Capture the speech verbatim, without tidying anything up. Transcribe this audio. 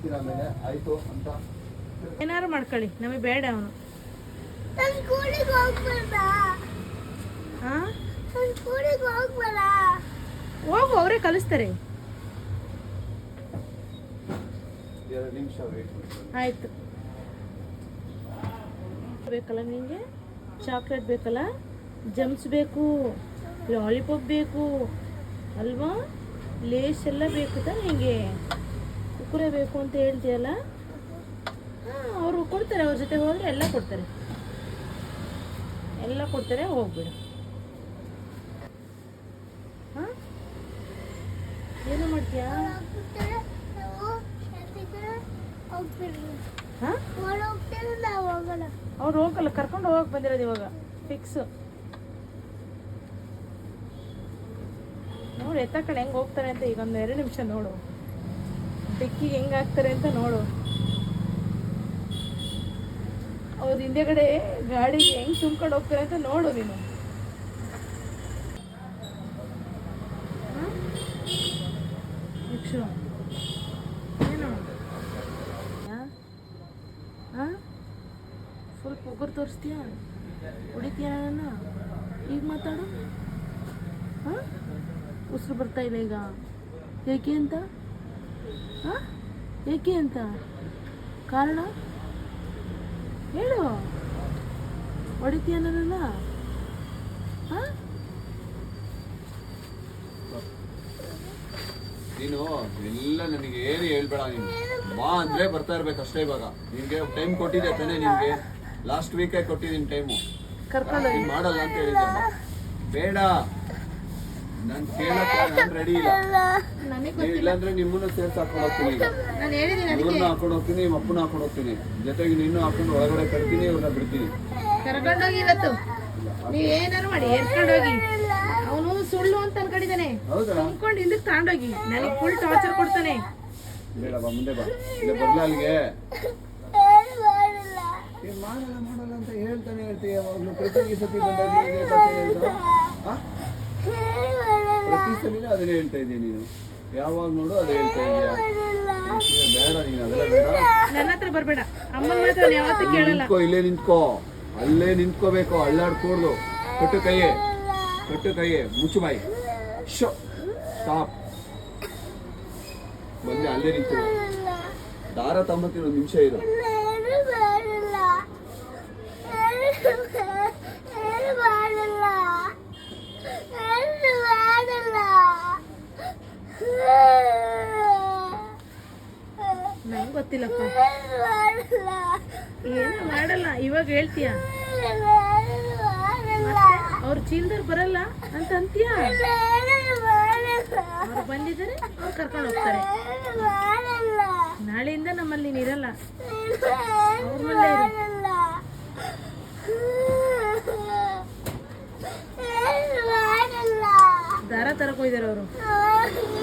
ಹೇಳ್ತೀನಿ ಆಮೇಲೆ ಆಯ್ತು ಅಂತ. ಏನಾರು ಮಾಡ್ಕೊಳ್ಳಿ, ನಮಗೆ ಬೇಡ ಅವನು. ಹೋಗು, ಅವರೇ ಕಲಿಸ್ತಾರೆ. ಎರಡು ನಿಮಿಷ ವೇಟ್. ಆಯ್ತು. ಬೇಕಲ್ಲ ನಿಮಗೆ? ಚಾಕ್ಲೇಟ್ ಬೇಕಲ್ಲ, ಜಮ್ಸ್ ಬೇಕು, ಲಾಲಿಪಾಪ್ ಬೇಕು ಅಲ್ವಾ, ಲೇಸ್ ಎಲ್ಲ ಬೇಕು ತಾನೆ ನಿಮಗೆ. ಕುಕ್ಕುರೆ ಬೇಕು ಅಂತ ಹೇಳ್ತೀಯಲ್ಲ, ಹಾಂ ಅವರು ಕೊಡ್ತಾರೆ. ಅವ್ರ ಜೊತೆ ಹೋದರೆ ಎಲ್ಲ ಕೊಡ್ತಾರೆ, ಎಲ್ಲ ಕೊಡ್ತಾರೆ. ಹೋಗ್ಬಿಡು. ಹಾಂ ಏನು ಮಾಡ್ತೀಯಾ? ಹಾಂ ಅವ್ರು ಹೋಗಲ್ಲ, ಕರ್ಕೊಂಡು ಹೋಗಕ್ಕೆ ಬಂದಿರೋದು ಇವಾಗ ಫಿಕ್ಸ್. ನೋಡಿ ಎತ್ತ ಕಡೆ ಹೆಂಗೆ ಹೋಗ್ತಾರೆ ಅಂತ. ಈಗ ಒಂದು ಎರಡು ನಿಮಿಷ ನೋಡು, ಡಿಕ್ಕಿಗೆ ಹೆಂಗೆ ಹಾಕ್ತಾರೆ ಅಂತ ನೋಡು. ಅವ್ರ ಹಿಂದೆಗಡೆ ಗಾಡಿಗೆ ಹೆಂಗೆ ತುಂಬ್ಕೊಂಡು ಹೋಗ್ತಾರೆ ಅಂತ ನೋಡು ನೀನು. ಏನು ಹಾಂ ಫುಲ್ ಪೊಗರು ತೋರಿಸ್ತೀಯಾ? ಹೊಡಿತೀಯ ನನ್ನ? ಈಗ ಮಾತಾಡು. ಹಾಂ ಉಸಿರು ಬರ್ತಾ ಇಲ್ಲ ಈಗ. ಏಕೆ ಅಂತ? ಹಾಂ ಏಕೆ ಅಂತ ಕಾರಣ ಹೇಳು. ಹೊಡಿತೀಯ ನನ್ನನ್ನ? ಹಾಂ ನೀನು ಎಲ್ಲ ನನಗೆ ಏನು ಹೇಳ್ಬೇಡ. ನೀನು ಬಾ ಅಂದರೆ ಬರ್ತಾ ಇರ್ಬೇಕು ಅಷ್ಟೇ. ಇವಾಗ ನಿನಗೆ ಟೈಮ್ ಕೊಟ್ಟಿದ್ದೆ ತಾನೇ, ನಿನಗೆ ಲಾಸ್ಟ್ ವೀಕೇ ಕೊಟ್ಟಿದ್ದೀನಿ ಟೈಮು. ಕರ್ಕೊಂಡು ನೀನು ಮಾಡಲ್ಲ ಅಂತ ಹೇಳಿದ್ದೆ. ಬೇಡ, ನಾನು ಕೇಳಕ್ಕೆ ನಾನು ರೆಡಿ ಇಲ್ಲ. ನೀವು ಇಲ್ಲಾಂದ್ರೆ ನಿಮ್ಮನ್ನು ಸೇರ್ಸಿ ಹಾಕೊಂಡು ಹೋಗ್ತೀನಿ. ಈಗ ಇವ್ರನ್ನ ಹಾಕೊಂಡು ಹೋಗ್ತೀನಿ, ನಿಮ್ಮ ಅಪ್ಪನ ಹಾಕೊಂಡು ಹೋಗ್ತೀನಿ, ಜೊತೆಗೆ ನಿನ್ನೂ ಹಾಕೊಂಡು ಒಳಗಡೆ ಕರ್ತೀನಿ, ಇವ್ರನ್ನ ಬಿಡ್ತೀನಿ. ಕರ್ಕೊಂಡೋಗಿ ಇವತ್ತು ನೀವು ಏನಾರು ಮಾಡಿ ಎರ್ಕೊಂಡೋಗಿ. ಅವನು ಸುಳ್ಳು ಅಂತ ಅನ್ಕೊಂಡಿದ್ದಾನೆ. ಅನ್ಕೊಂಡು ಹಿಂದಕ್ಕೆ ತಗೊಂಡೋಗಿ ನನಗೆ ಫುಲ್ ಟಾರ್ಚರ್ ಕೊಡ್ತಾನೆ. ಬೇಡ ಬಾ, ಮುಂದೆ ಬಾ. ಇಲ್ಲ ಬರ್ಲ ಅಲ್ಲಿಗೆ. ಮಾಡಲ್ಲ ಮಾಡಲ್ಲ ಅಂತ ಹೇಳ್ತಾನೆ ಹೇಳ್ತೀಯ. ಯಾವಾಗಲೂ ಪ್ರತಿ ಸತಿ ಬಂದಾಗ ಪ್ರತಿ ಸಲಿನೂ ಅದನ್ನೇ ಹೇಳ್ತಾ ಇದ್ದೀಯ ನೀನು. ಯಾವಾಗ ನೋಡು ಅದೇ ಹೇಳ್ತಾ ಇದೀಯ. ಬೇಡ ನೀನು, ಅದೆಲ್ಲ ಬೇಡ. ನನ್ನ ಹತ್ರ ಬರಬೇಡ. ಅಮ್ಮನ ಮಾತ್ರ ಯಾವತ್ತೂ ಕೇಳಲ್ಲ. ನಿಂತ್ಕೋ, ಇಲ್ಲೇ ನಿಂತ್ಕೋ, ಅಲ್ಲೇ ನಿಂತ್ಕೋಬೇಕು. ಅಳ್ಳಾಡ್ಕೂಡ್ದು. ಕಟ್ಟು ಕೈಯೇ, ಕಟ್ಟು ಕೈಯೇ, ಮುಚ್ಚು ಬಾಯಿ. Show stop. ಬಂದೆ ಅಲ್ಲೇ ನಿಂತು ದಾರ ತಮ್ಮತ್ತಿನ ಒಂದು ನಿಮಿಷ ಇರು. ನಂಗೆ ಗೊತ್ತಿಲ್ಲಪ್ಪ, ಏನು ಮಾಡಲ್ಲ. ಇವಾಗ ಹೇಳ್ತೀಯ ಅವ್ರ ಚೀಲದವ್ರು ಬರಲ್ಲ ಅಂತ ಅಂತೀಯ. ಅವ್ರು ಬಂದಿದ್ದಾರೆ, ಅವ್ರು ಕರ್ಕೊಂಡು ಹೋಗ್ತಾರೆ. ನಾಳೆಯಿಂದ ನಮ್ಮಲ್ಲಿ ನೀನು ಇರಲ್ಲ, ಅವ್ರ ಮನೇಲೇ ಇರು. ದಾರ ತರಕ್ ಹೋಗಿದ್ದಾರೆ ಅವರು.